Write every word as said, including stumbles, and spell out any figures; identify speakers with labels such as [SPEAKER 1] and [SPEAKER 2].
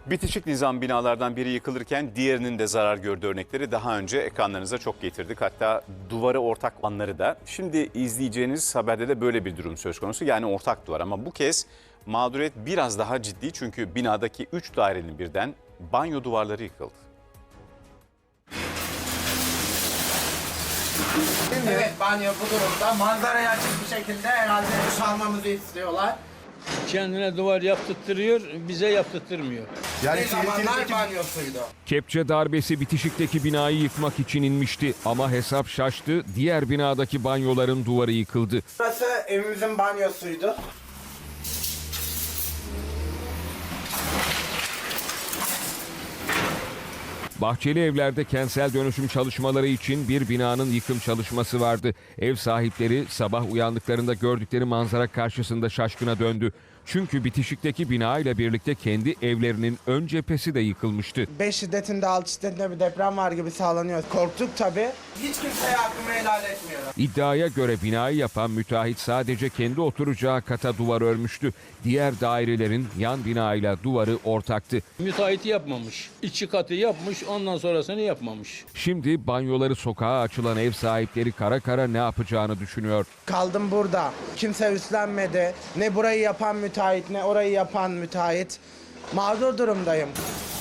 [SPEAKER 1] Bitişik nizam binalardan biri yıkılırken diğerinin de zarar gördüğü örnekleri daha önce ekranlarınıza çok getirdik. Hatta duvarı ortak olanları da. Şimdi izleyeceğiniz haberde de böyle bir durum söz konusu. Yani ortak duvar, ama bu kez mağduriyet biraz daha ciddi. Çünkü binadaki üç dairenin birden banyo duvarları yıkıldı.
[SPEAKER 2] Evet, banyo bu durumda. Manzaraya açık bir şekilde herhalde çalmamızı istiyorlar.
[SPEAKER 3] Kendine duvar yaptırtırıyor, bize yaptırtmıyor.
[SPEAKER 2] Yani bir zamanlar banyosuydu.
[SPEAKER 4] Kepçe darbesi bitişikteki binayı yıkmak için inmişti ama hesap şaştı. Diğer binadaki banyoların duvarı yıkıldı.
[SPEAKER 2] Burası evimizin banyosuydu.
[SPEAKER 4] Bahçeli Evler'de kentsel dönüşüm çalışmaları için bir binanın yıkım çalışması vardı. Ev sahipleri sabah uyandıklarında gördükleri manzara karşısında şaşkına döndü. Çünkü bitişikteki bina ile birlikte kendi evlerinin ön cephesi de yıkılmıştı.
[SPEAKER 2] beş şiddetinde, altı şiddetinde bir deprem var gibi sağlanıyor. Korktuk tabii. Hiç kimseye hakkımı helal etmiyorum.
[SPEAKER 4] İddiaya göre binayı yapan müteahhit sadece kendi oturacağı kata duvar örmüştü. Diğer dairelerin yan binayla duvarı ortaktı.
[SPEAKER 3] Müteahhiti yapmamış. İçi katı yapmış, ondan sonrasını yapmamış.
[SPEAKER 4] Şimdi banyoları sokağa açılan ev sahipleri kara kara ne yapacağını düşünüyor.
[SPEAKER 2] Kaldım burada. Kimse üstlenmedi. Ne burayı yapan müteahhit, ne orayı yapan müteahhit. Mağdur durumdayım.